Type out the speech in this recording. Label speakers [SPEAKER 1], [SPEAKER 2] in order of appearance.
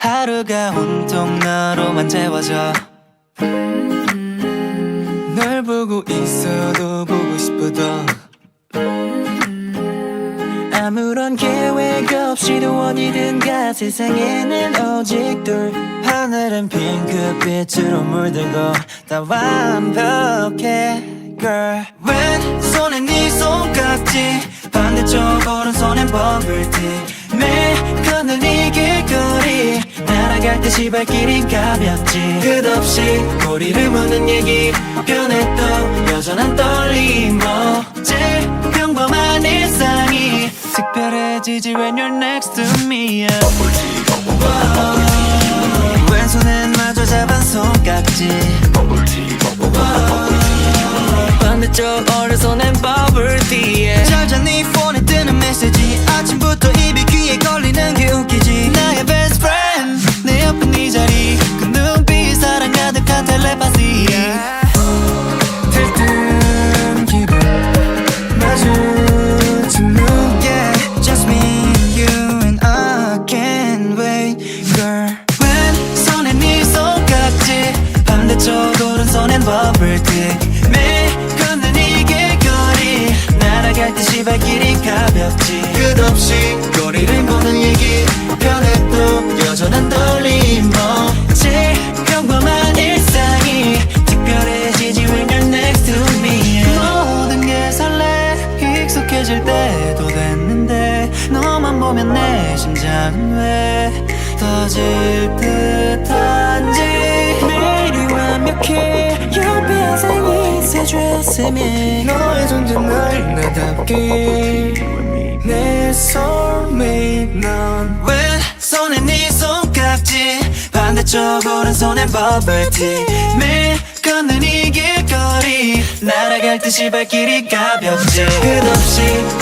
[SPEAKER 1] 하루가 온통 너로만 채워져. 널 보고 있어도 보고 싶어도 아무런 계획 없이도 어디든 가. 세상에는 오직 둘. 하늘은 핑크빛으로 물들고 다 완벽해 girl. 왼손에 네 손깍지, 반대쪽 오른손엔 버블티. 매일 걷는 이 길거리, 날아갈 듯이 발길이 가볍지. 끝없이 꼬리를 무는 얘기, 변해도 여전한 떨림. 제일 평범한 일상이 특별해지지 when you're next to me. 왼손엔 마저 잡은 손깍지, 반대쪽 오른손엔 버블티. 잘자 네 폰에 뜨는 메시지, 아침부터 입이 귀에 걸리는 게 웃기지. 나의 best friend, 내 옆에 네 자리, 그 눈빛 사랑 가득한 텔레파시. 들뜬 기분 마주친 눈, yeah, just me, you and I can't wait girl. 왼손엔 네 손깍지, 반대쪽 오른손엔 버블티. 매일 걷는 이 길거리, 날아갈 듯이 발길이 가볍지. 끝없이 거리를 보는 얘기, 변해도 여전한 떨림. 제일 평범한 일상이 특별해지지 when you're next to me. 모든 게 설레, 익숙해질 때도 됐는데 너만 보면 내 심장은 왜 터질 듯한지. 매일이 완벽해, 옆에 생이 새줬으면 너의 존재 날 나답게 내 soulmate 넌. 왼손엔 네 손깍지, 반대쪽 오른손엔 버블티. 매일 걷는 이 길거리, 날아갈 듯이 발길이 가볍지. 끝없이